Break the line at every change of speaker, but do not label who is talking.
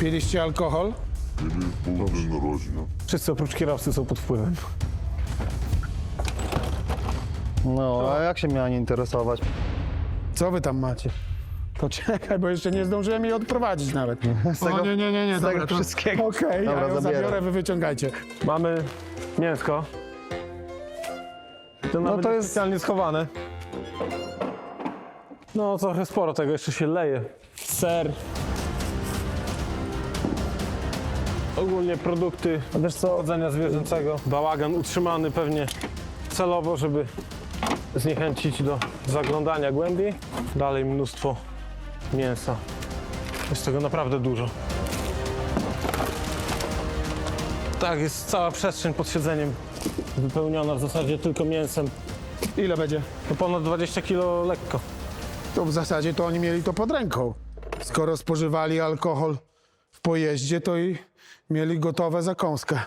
Piliście alkohol?
Był dzień narodzin.
Wszyscy oprócz kierowcy są pod wpływem.
No, a jak się miała nie interesować?
Co wy tam macie? Poczekaj, bo jeszcze nie zdążyłem jej odprowadzić nawet.
tego-
Nie,
z tego
dobra, to-
wszystkiego.
Okej,
Dobra,
ja ją
zabieram.
zabiorę, wy wyciągajcie.
Mamy mięsko. To nawet
to
jest
jest-
specjalnie schowane. No trochę sporo tego jeszcze się leje. Ser. Ogólnie produkty
Wiesz co,
pochodzenia zwierzęcego. Bałagan utrzymany pewnie celowo, żeby zniechęcić do zaglądania głębiej. Dalej mnóstwo mięsa. Jest tego naprawdę dużo. Tak, jest cała przestrzeń pod siedzeniem wypełniona w zasadzie tylko mięsem.
Ile będzie?
No ponad 20 kg lekko.
To w zasadzie to oni mieli to pod ręką. Skoro spożywali alkohol w pojeździe, to i mieli gotowe zakąskę.